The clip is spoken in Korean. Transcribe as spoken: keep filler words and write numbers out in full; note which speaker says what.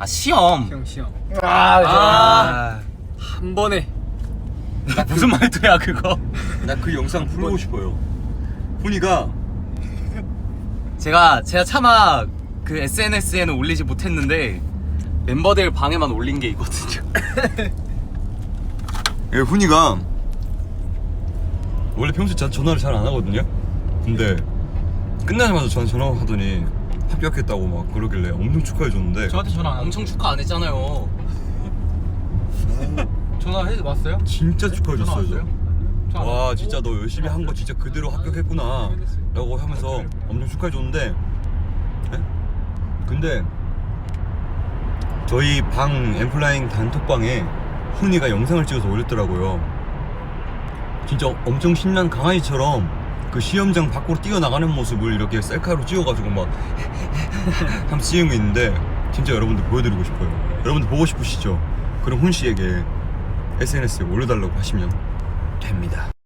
Speaker 1: 아 시험.
Speaker 2: 형 시험.
Speaker 3: 아,
Speaker 1: 아,
Speaker 2: 한 번에.
Speaker 1: 나 무슨 말투야 그거?
Speaker 3: 나 그 영상 풀고 싶어요. 훈이가
Speaker 1: 제가 제가 차마 그 에스엔에스에는 올리지 못했는데 멤버들 방에만 올린 게 있거든요.
Speaker 3: 예, 훈이가 원래 평소에 자- 전화를 잘 안 하거든요. 근데 끝나자마자 저한테 전화하더니 합격했다고 막 그러길래 엄청 축하해줬는데
Speaker 2: 저한테 전화 안
Speaker 1: 엄청 축하 안 했잖아요.
Speaker 2: 전화해 왔어요?
Speaker 3: 진짜
Speaker 2: 전화
Speaker 3: 축하해줬어요.
Speaker 2: 왔어요?
Speaker 3: 저. 와 진짜 너 열심히 한 거 진짜 그대로 합격했구나 라고 하면서 엄청 축하해줬는데 예? 근데 저희 방 엠플라잉 단톡방에 훈이가 영상을 찍어서 올렸더라고요. 진짜 엄청 신난 강아지처럼 그 시험장 밖으로 뛰어나가는 모습을 이렇게 셀카로 찍어가지고 막 한번 찍은 게 있는데 진짜 여러분들 보여드리고 싶어요. 여러분들 보고 싶으시죠? 그럼 훈씨에게 에스엔에스에 올려달라고 하시면 됩니다.